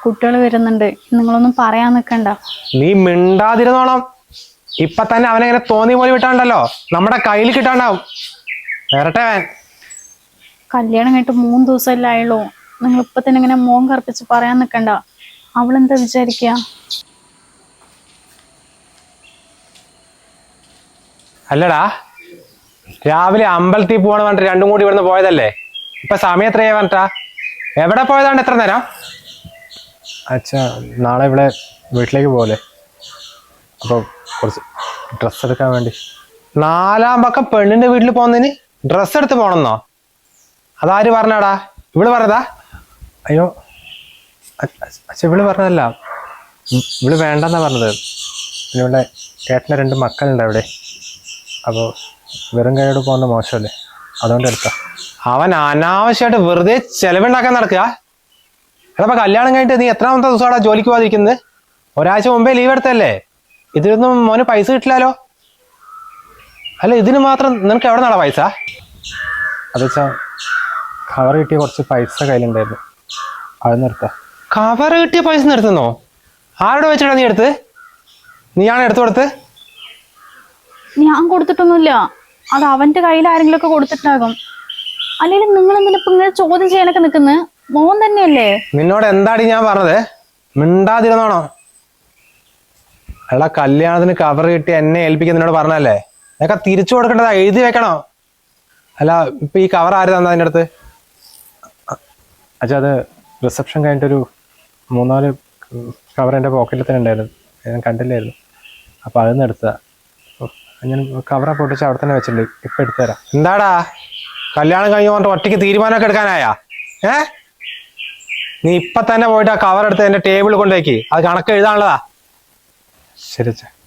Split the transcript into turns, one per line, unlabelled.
കുട്ടികൾ വരുന്നുണ്ട്, നിങ്ങളൊന്നും പറയാൻ നിൽക്കണ്ട.
നീ മിണ്ടാതിരുന്നോണം. ഇപ്പൊ തന്നെ അവനെങ്ങനെ തോന്നി പോലെ വിട്ടാണ്ടല്ലോ, നമ്മുടെ കയ്യിൽ കിട്ടാണ്ടാവും. വരട്ടെ അവൻ.
കല്യാണം കഴിഞ്ഞിട്ട് 3 ദിവസമല്ലേ ആയുള്ളൂ. നിങ്ങൾ ഇപ്പൊ തന്നെ ഇങ്ങനെ മോൻ കറുപ്പിച്ച് പറയാൻ നിൽക്കണ്ട. അവളെന്താ വിചാരിക്കുക?
അല്ലടാ, രാവിലെ അമ്പലത്തിൽ പോകണ പറഞ്ഞിട്ട് രണ്ടും കൂടി ഇവിടുന്ന് പോയതല്ലേ. ഇപ്പൊ സമയം എത്രയാ പറഞ്ഞിട്ടാ? എവിടെ പോയതാണ് എത്ര നേരം? അച്ഛാ, നാളെ ഇവിടെ വീട്ടിലേക്ക് പോലെ, അപ്പോൾ കുറച്ച് ഡ്രസ്സ് എടുക്കാൻ വേണ്ടി. 4-ാം പക്കം പെണ്ണിന്റെ വീട്ടിൽ പോകുന്നതിന് ഡ്രസ്സ് എടുത്ത് പോകണമെന്നോ? അതാര് പറഞ്ഞാടാ? ഇവള് പറഞ്ഞതാ? അയ്യോ അച്ഛ, ഇവള് പറഞ്ഞതല്ല, ഇവള് വേണ്ടെന്നാ പറഞ്ഞത്. പിന്നെ ഇവിടെ ചേട്ടൻ്റെ 2 മക്കളുണ്ട് അവിടെ. അപ്പോൾ വെറും കൈയോട് പോകുന്ന മോശമല്ലേ, അതുകൊണ്ട് എടുത്ത. അവൻ അനാവശ്യമായിട്ട് വെറുതെ ചെലവുണ്ടാക്കാൻ നടക്കുക. എടാ, കല്യാണം കഴിഞ്ഞിട്ട് നീ എത്രാമത്തെ ദിവസമാടാ ജോലിക്ക് പോകാതിരിക്കുന്നത്? ഒരാഴ്ച മുമ്പേ ലീവ് എടുത്തല്ലേ. ഇതിലൊന്നും മോന് പൈസ കിട്ടില്ലല്ലോ. അല്ല, ഇതിന് മാത്രം നിനക്ക് എവിടെ നിന്നാടാ പൈസ? അതെച്ചാ, കവർ കിട്ടിയ കുറച്ച് പൈസ കയ്യിലുണ്ടായിരുന്നു, അത് നിർത്താം. കവർ കിട്ടിയ പൈസ നിർത്തുന്നോ? ആരോട് വെച്ചിട്ടാ നീ എടുത്ത്? നീയാണ് എടുത്തു കൊടുത്ത്?
ഞാൻ കൊടുത്തിട്ടൊന്നുമില്ല. അത് അവന്റെ കയ്യിൽ ആരെങ്കിലും ഒക്കെ കൊടുത്തിട്ടാകും. അല്ലെങ്കിൽ നിങ്ങൾ എന്തിനാ ഇപ്പൊ ഇങ്ങനെ ചോദ്യം ചെയ്യാനൊക്കെ നിൽക്കുന്നത്? മോൻ തന്നെയല്ലേ.
നിന്നോട് എന്താടി ഞാൻ പറഞ്ഞത്? മിണ്ടാതിരുന്നോണോ? അയാളെ കല്യാണത്തിന് കവർ കിട്ടി എന്നെ ഏൽപ്പിക്കാൻ നിന്നോട് പറഞ്ഞല്ലേ. അതൊക്കെ തിരിച്ചു കൊടുക്കേണ്ടതാ, എഴുതി വെക്കണോ? അല്ല, ഇപ്പൊ ഈ കവർ ആര് തന്നാ അതിൻ്റെ അടുത്ത്? അച്ഛാ, അത് റിസപ്ഷൻ കഴിഞ്ഞിട്ടൊരു 3-4 കവർ എൻ്റെ പോക്കറ്റിൽ തന്നെ ഉണ്ടായിരുന്നു, ഞാൻ കണ്ടില്ലായിരുന്നു. അപ്പൊ അതിൽ നിന്ന് എടുത്താ. ഞാൻ കവറ പൊട്ടിച്ച് അവിടെ തന്നെ വെച്ചിട്ടുണ്ട്, ഇപ്പൊ എടുത്തുതരാം. എന്താടാ, കല്യാണം കഴിഞ്ഞ് പറഞ്ഞിട്ട് ഒറ്റയ്ക്ക് തീരുമാനമൊക്കെ എടുക്കാനായാ? നീ ഇപ്പൊ തന്നെ പോയിട്ട് ആ കവർ എടുത്ത് എന്റെ ടേബിളിൽ കൊണ്ടുവയ്ക്ക്, അത് കണക്ക് എഴുതാനുള്ളതാ. ശരി അച്ഛാ.